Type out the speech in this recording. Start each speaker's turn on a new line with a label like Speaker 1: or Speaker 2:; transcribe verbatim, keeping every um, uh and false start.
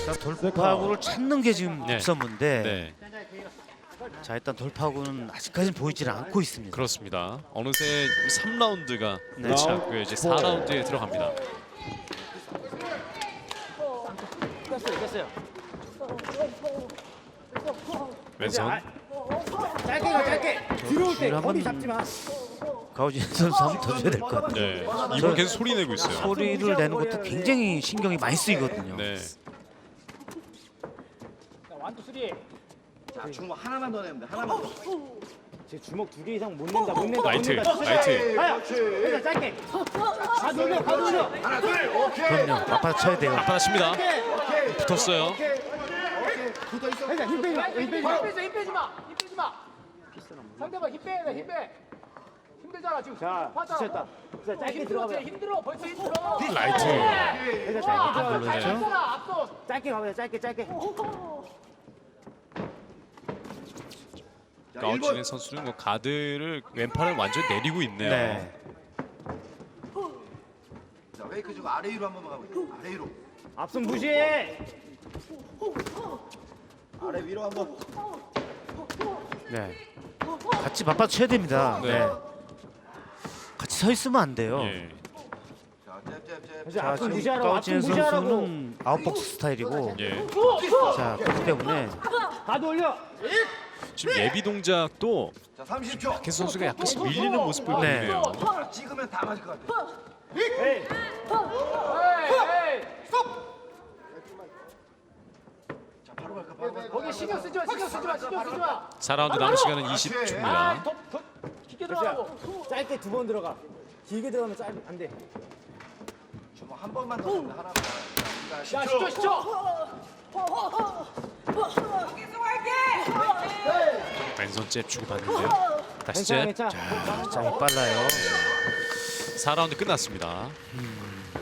Speaker 1: 돌파구를 찾는 게 지금
Speaker 2: 네.
Speaker 1: 급선무인데
Speaker 2: 네,
Speaker 1: 자 일단 돌파구는 아직까지는 보이지는 않고 있습니다.
Speaker 2: 그렇습니다. 어느새 삼 라운드가
Speaker 1: 네.
Speaker 2: 끝이 났고요. 이제 사 라운드에 들어갑니다. 왼손.
Speaker 3: 짧게 가 짧게. 들어올 때
Speaker 1: 줄을
Speaker 3: 거리
Speaker 1: 한번
Speaker 3: 잡지 마.
Speaker 1: 가오진 선수 한번 더 줘야 될 것 같아요.
Speaker 2: 네, 이분 계속 소리 내고 있어요.
Speaker 1: 소리를 내는 것도 굉장히 신경이 많이 쓰이거든요.
Speaker 2: 네,
Speaker 3: 원투 쓰리.
Speaker 4: 자, 주먹 하나만 더 내면 돼. 하나만 더.
Speaker 3: 제 주먹 두 개 이상 못 낸다 못 낸다.
Speaker 2: 라이트,
Speaker 3: 못 낸다.
Speaker 2: 라이트.
Speaker 3: 하야. 그러니까 짧게. 가 돌려 가 돌려.
Speaker 4: 하나, 둘, 오케이.
Speaker 1: 그럼요. 맞받아 쳐야 돼요.
Speaker 2: 앞바다 칩니다.
Speaker 4: 오케이, 오케이.
Speaker 2: 붙었어요.
Speaker 4: 오케이, 오케이. 붙어 있어.
Speaker 3: 그러니까 힘 빼지 마. 힘 빼지 마.
Speaker 5: 힘 빼지, 힘 빼지 마. 힘 빼지 마. 상대방 힘 빼야 돼, 힘 빼. 힘들잖아 지금.
Speaker 3: 자
Speaker 5: 봤잖아.
Speaker 3: 지쳤다. 자 짧게
Speaker 5: 힘들어,
Speaker 3: 들어가.
Speaker 5: 쟤 힘들어. 벌써 힘들어.
Speaker 2: 라이트.
Speaker 3: 그러니까 짧게
Speaker 5: 앞서
Speaker 3: 들어가.
Speaker 2: 네.
Speaker 5: 잘 했잖아, 앞서.
Speaker 3: 짧게 가보자. 짧게 짧게.
Speaker 4: 자,
Speaker 2: 가오치네
Speaker 4: 일 번.
Speaker 2: 선수는 뭐 가드를 왼팔을 완전히 내리고 있네요.
Speaker 1: 네.
Speaker 4: 자, 웨이크 주고 아래 위로 한 번만 가고 있어. 아래 위로.
Speaker 3: 앞선 무시해.
Speaker 4: 아래 위로 한 번.
Speaker 1: 네. 같이 맞받아 쳐야 됩니다.
Speaker 2: 네.
Speaker 1: 네. 같이 서 있으면 안 돼요.
Speaker 2: 예.
Speaker 4: 자, 잽, 잽, 잽.
Speaker 3: 이제
Speaker 1: 자
Speaker 3: 앞선
Speaker 1: 지금
Speaker 3: 무시하라고.
Speaker 1: 가오진
Speaker 3: 앞선 무시하라고.
Speaker 1: 선수는 아웃복스 스타일이고
Speaker 2: 예.
Speaker 1: 자 그렇기 때문에
Speaker 3: 가 돌려.
Speaker 2: 지금 예비 동작도
Speaker 4: 자, 삼십 초.
Speaker 2: 박혜수 선수가 약간씩 밀리는 모습을
Speaker 1: 네.
Speaker 2: 보이네요.
Speaker 4: 자, 찍으면 다 맞을 것 같아.
Speaker 3: 에이.
Speaker 5: 에이, 에이.
Speaker 4: 자, 바로 갈까? 바로 갈까?
Speaker 5: 거기 신경 쓰지 마, 신경 쓰지 마, 신경 쓰지 마.
Speaker 2: 사 라운드 남은 시간은 이십
Speaker 5: 아,
Speaker 2: 초입니다.
Speaker 5: 더, 더 깊게 들어가라고.
Speaker 3: 짧게 두 번 들어가. 길게 들어가면 짧 안 돼.
Speaker 4: 주먹 한 번만 더 내면 돼. 하나만. 자,
Speaker 5: 야,
Speaker 4: 십
Speaker 5: 십 초,
Speaker 4: 초.
Speaker 5: 십 초.
Speaker 2: 왼손 잽 주고 받는데요. 다시
Speaker 3: 괜찮아
Speaker 2: 잽.
Speaker 3: 괜찮아.
Speaker 1: 자 힘이 빨라요.
Speaker 2: 사 라운드 끝났습니다.
Speaker 1: 음,